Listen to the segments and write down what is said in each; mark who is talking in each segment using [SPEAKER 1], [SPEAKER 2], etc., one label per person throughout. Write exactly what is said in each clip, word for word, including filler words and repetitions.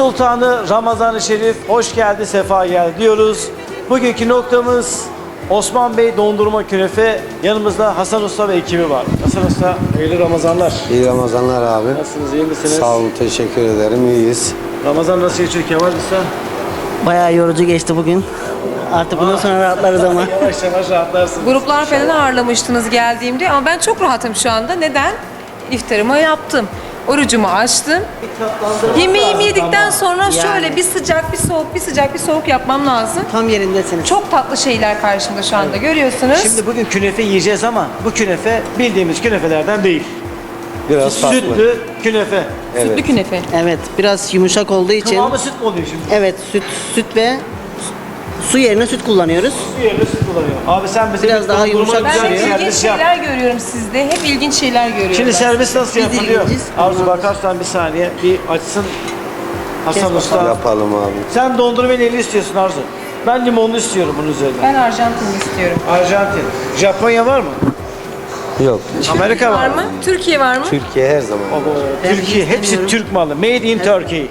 [SPEAKER 1] Sultanı Ramazan-ı Şerif hoş geldi, sefa geldi diyoruz. Bugünkü noktamız Osman Bey Dondurma Künefe. Yanımızda Hasan Usta ve ekibi var. Hasan Usta, hayırlı Ramazanlar.
[SPEAKER 2] İyi Ramazanlar abi.
[SPEAKER 1] Nasılsınız, iyi misiniz?
[SPEAKER 2] Sağ olun, teşekkür ederim. İyiyiz.
[SPEAKER 1] Ramazan nasıl geçiyor Kemal Usta?
[SPEAKER 3] Bayağı yorucu geçti bugün. Artık bundan sonra rahatlarız ama.
[SPEAKER 1] Yavaş yavaş rahatlarsınız.
[SPEAKER 4] Gruplar falan ağırlamıştınız geldiğimde ama ben çok rahatım şu anda. Neden? İftarımı yaptım. Orucumu açtım. Yemeğimi yedikten sonra şöyle bir sıcak bir soğuk bir sıcak bir soğuk yapmam lazım.
[SPEAKER 3] Tam yerindesiniz.
[SPEAKER 4] Çok tatlı şeyler karşımda şu anda görüyorsunuz.
[SPEAKER 1] Şimdi bugün künefe yiyeceğiz ama bu künefe bildiğimiz künefelerden değil.
[SPEAKER 2] Biraz farklı.
[SPEAKER 1] Sütlü künefe.
[SPEAKER 4] Sütlü künefe.
[SPEAKER 3] Evet, biraz yumuşak olduğu için.
[SPEAKER 1] Kıvamı süt mü oluyor şimdi?
[SPEAKER 3] Evet, süt süt ve su yerine süt kullanıyoruz.
[SPEAKER 1] Su yerine süt kullanıyor. Abi sen mesela
[SPEAKER 3] Biraz
[SPEAKER 1] bir
[SPEAKER 3] daha
[SPEAKER 1] dondurma
[SPEAKER 3] yumuşak
[SPEAKER 4] Ben
[SPEAKER 1] güzel
[SPEAKER 4] hep
[SPEAKER 1] bir
[SPEAKER 4] ilginç
[SPEAKER 1] servis yap.
[SPEAKER 4] şeyler görüyorum sizde. Hep ilginç şeyler görüyorum.
[SPEAKER 1] Şimdi
[SPEAKER 4] ben.
[SPEAKER 1] servis nasıl
[SPEAKER 3] Biz
[SPEAKER 1] yapılıyor?
[SPEAKER 3] ilginciz.
[SPEAKER 1] Arzu bakarsan bir saniye bir açsın Hasan Usta.
[SPEAKER 2] Yapalım abi.
[SPEAKER 1] Sen dondurma neli istiyorsun Arzu? Ben limonlu istiyorum bunun üzerine.
[SPEAKER 4] Ben Arjantin istiyorum.
[SPEAKER 1] Arjantin. Japonya var mı?
[SPEAKER 2] Yok.
[SPEAKER 1] Amerika var,
[SPEAKER 4] Var
[SPEAKER 1] mı?
[SPEAKER 4] mı? Türkiye var mı?
[SPEAKER 2] Türkiye her zaman.
[SPEAKER 1] Baba,
[SPEAKER 3] Ben
[SPEAKER 1] Türkiye hepsi
[SPEAKER 3] istemiyorum.
[SPEAKER 1] Türk malı. Made in Turkey.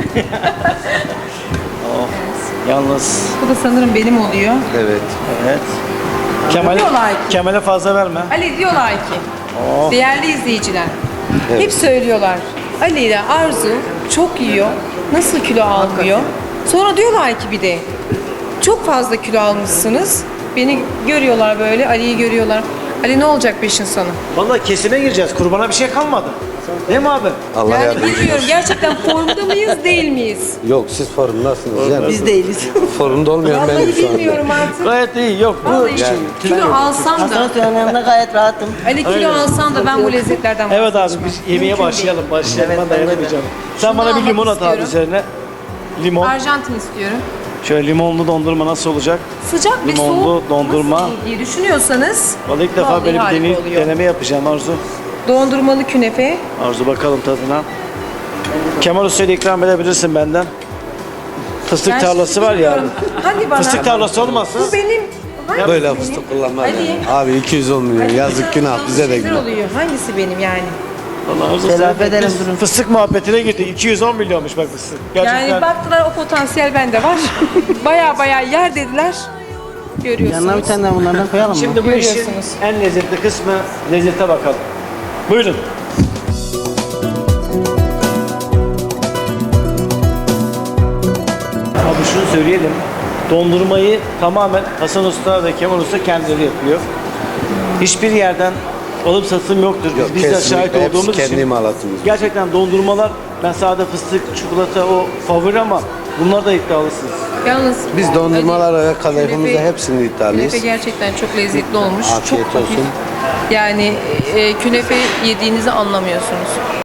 [SPEAKER 1] Oh, yalnız
[SPEAKER 4] Bu da sanırım benim oluyor.
[SPEAKER 2] Evet.
[SPEAKER 1] evet. Kemal'e,
[SPEAKER 4] Diyorlar ki.
[SPEAKER 1] Kemal'e fazla verme.
[SPEAKER 4] Ali diyorlar ki,
[SPEAKER 1] Oh.
[SPEAKER 4] değerli izleyiciler,
[SPEAKER 2] Evet.
[SPEAKER 4] hep söylüyorlar. Ali ile Arzu çok yiyor, nasıl kilo almıyor? Sonra diyorlar ki bir de, çok fazla kilo almışsınız. Beni görüyorlar böyle, Ali'yi görüyorlar. Ali ne olacak beşin sonu?
[SPEAKER 1] Vallahi kesime gireceğiz. Kurbana bir şey kalmadı. Değil mi abi?
[SPEAKER 2] Allah
[SPEAKER 4] Yani
[SPEAKER 2] yardımcınız
[SPEAKER 4] bilmiyorum
[SPEAKER 2] olsun.
[SPEAKER 4] gerçekten formda mıyız değil miyiz?
[SPEAKER 2] Yok, siz formundasınız. Yani.
[SPEAKER 3] Biz değiliz.
[SPEAKER 2] Formda olmayan benim
[SPEAKER 4] Vallahi
[SPEAKER 2] şu anda.
[SPEAKER 4] bilmiyorum artık.
[SPEAKER 1] Gayet iyi. Yok bu
[SPEAKER 4] Vallahi
[SPEAKER 1] şey.
[SPEAKER 4] kilo alsam
[SPEAKER 3] Hasan
[SPEAKER 4] da,
[SPEAKER 3] Usta'nın yanında gayet rahatım.
[SPEAKER 4] Ali kilo alsam da ben bu lezzetlerden
[SPEAKER 1] Evet abi
[SPEAKER 4] vazgeçmem.
[SPEAKER 1] biz yemeğe
[SPEAKER 4] Mümkün
[SPEAKER 1] başlayalım. Başlayalım.
[SPEAKER 3] Evet,
[SPEAKER 1] ben
[SPEAKER 3] bence de.
[SPEAKER 1] dayanamayacağım. Sen
[SPEAKER 4] Şunu
[SPEAKER 1] bana bir
[SPEAKER 4] almak
[SPEAKER 1] limon at abi
[SPEAKER 4] istiyorum.
[SPEAKER 1] üzerine. Limon.
[SPEAKER 4] değil. Arjantin istiyorum.
[SPEAKER 1] Şöyle limonlu dondurma nasıl olacak?
[SPEAKER 4] Sıcak ve
[SPEAKER 1] Limonlu
[SPEAKER 4] soğuk
[SPEAKER 1] dondurma.
[SPEAKER 4] nasıl iyi diye düşünüyorsanız
[SPEAKER 1] Vallahi ilk defa
[SPEAKER 4] vallahi
[SPEAKER 1] böyle bir
[SPEAKER 4] harika
[SPEAKER 1] deney,
[SPEAKER 4] oluyor.
[SPEAKER 1] deneme yapacağım Arzu.
[SPEAKER 4] Dondurmalı künefe.
[SPEAKER 1] Arzu bakalım tadına. Kemal Usta'ya da ikram edebilirsin benden. Fıstık
[SPEAKER 4] Ben
[SPEAKER 1] tarlası
[SPEAKER 4] şimdi
[SPEAKER 1] var ya.
[SPEAKER 4] bilmiyorum. Hadi bana.
[SPEAKER 1] Fıstık tarlası olmazsa.
[SPEAKER 4] Bu benim. Hangisi
[SPEAKER 2] Böyle
[SPEAKER 4] benim?
[SPEAKER 2] fıstık kullanmaz.
[SPEAKER 4] Ali.
[SPEAKER 2] yani. Abi iki yüz on milyon. Yazık günah bize de
[SPEAKER 4] Şeyler
[SPEAKER 2] günah.
[SPEAKER 4] oluyor. Hangisi benim yani?
[SPEAKER 1] Allah Arzu
[SPEAKER 3] Telafi
[SPEAKER 1] sen-
[SPEAKER 3] edelim,
[SPEAKER 1] biz
[SPEAKER 3] durun.
[SPEAKER 1] Fıstık muhabbetine girdi. iki yüz on milyonmuş bak fıstık. Gerçekten.
[SPEAKER 4] Yani baktılar o potansiyel bende var. Baya baya yer dediler. Görüyorsunuz.
[SPEAKER 3] Yanına bir tane daha bunlardan koyalım mı?
[SPEAKER 1] Şimdi bu işin
[SPEAKER 4] Görüyorsunuz.
[SPEAKER 1] en lezzetli kısmı lezzete bakalım. Buyurun. Abi şunu söyleyelim. Dondurmayı tamamen Hasan Usta ve Kemal Usta kendileri yapıyor. Hiçbir yerden alım satım yoktur. Biz
[SPEAKER 2] Yok,
[SPEAKER 1] bizzat
[SPEAKER 2] kesinlikle.
[SPEAKER 1] şahit
[SPEAKER 2] Hepsi
[SPEAKER 1] olduğumuz
[SPEAKER 2] kendi
[SPEAKER 1] için.
[SPEAKER 2] imalatımız.
[SPEAKER 1] Gerçekten dondurmalar, ben sade fıstık, çikolata o favori ama bunlar da iddialısınız.
[SPEAKER 4] Yalnız
[SPEAKER 2] Biz dondurmalara ve
[SPEAKER 4] Künefe-
[SPEAKER 2] kadayıfımıza hepsini iddialıyız.
[SPEAKER 4] Künefe gerçekten çok lezzetli olmuş.
[SPEAKER 2] Afiyet
[SPEAKER 4] çok hafif.
[SPEAKER 2] olsun.
[SPEAKER 4] Yani e, künefe yediğinizi anlamıyorsunuz.